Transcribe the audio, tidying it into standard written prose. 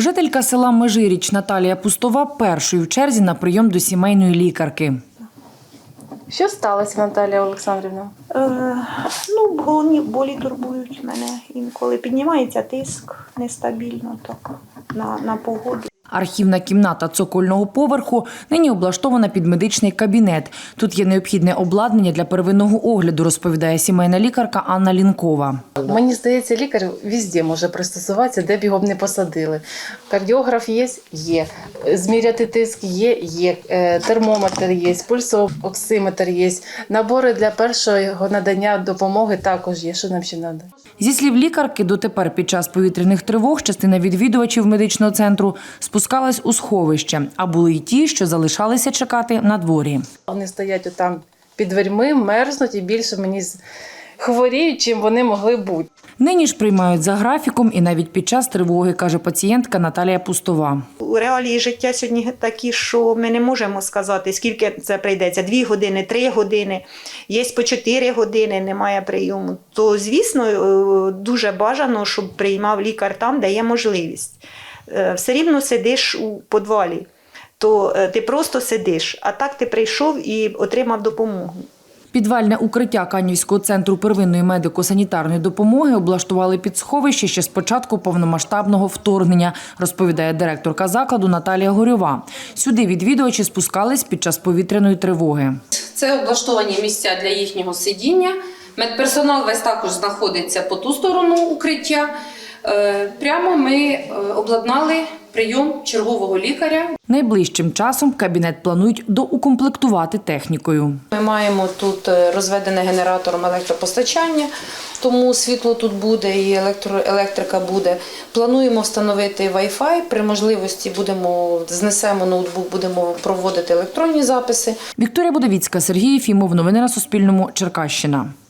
Жителька села Межиріч Наталія Пустова першою в черзі на прийом до сімейної лікарки. Що сталося, Наталія Олександрівна? Головні болі турбують мене. Інколи піднімається тиск нестабільно так, на погоду. Архівна кімната цокольного поверху нині облаштована під медичний кабінет. Тут є необхідне обладнання для первинного огляду, розповідає сімейна лікарка Анна Лінкова. Мені здається, лікар везде може пристосуватися, де б його б не посадили. Кардіограф є? Є. Зміряти тиск є? Є. Термометр є, пульсоксиметр є. Набори для першого надання допомоги також є. Що нам ще треба? Зі слів лікарки, дотепер під час повітряних тривог частина відвідувачів медичного центру спускалась у сховище, а були й ті, що залишалися чекати на дворі. Вони стоять отам під дверми, мерзнуть і більше мені хворіють, чим вони могли бути. Нині ж приймають за графіком і навіть під час тривоги, каже пацієнтка Наталія Пустова. У реалії життя сьогодні такі, що ми не можемо сказати, скільки це прийдеться. 2 години, 3 години, є по 4 години, немає прийому. То, звісно, дуже бажано, щоб приймав лікар там, де є можливість. Все рівно сидиш у підвалі, то ти просто сидиш, а так ти прийшов і отримав допомогу. Підвальне укриття Канівського центру первинної медико-санітарної допомоги облаштували під сховище ще з початку повномасштабного вторгнення, розповідає директорка закладу Наталія Горьова. Сюди відвідувачі спускались під час повітряної тривоги. Це облаштовані місця для їхнього сидіння. Медперсонал весь також знаходиться по ту сторону укриття. Прямо ми обладнали прийом чергового лікаря. Найближчим часом кабінет планують доукомплектувати технікою. Ми маємо тут розведене генератором електропостачання, тому світло тут буде і електрика буде. Плануємо встановити Wi-Fi, при можливості знесемо ноутбук, будемо проводити електронні записи. Вікторія Будовіцька, Сергій Єфімов. Новини на Суспільному. Черкащина.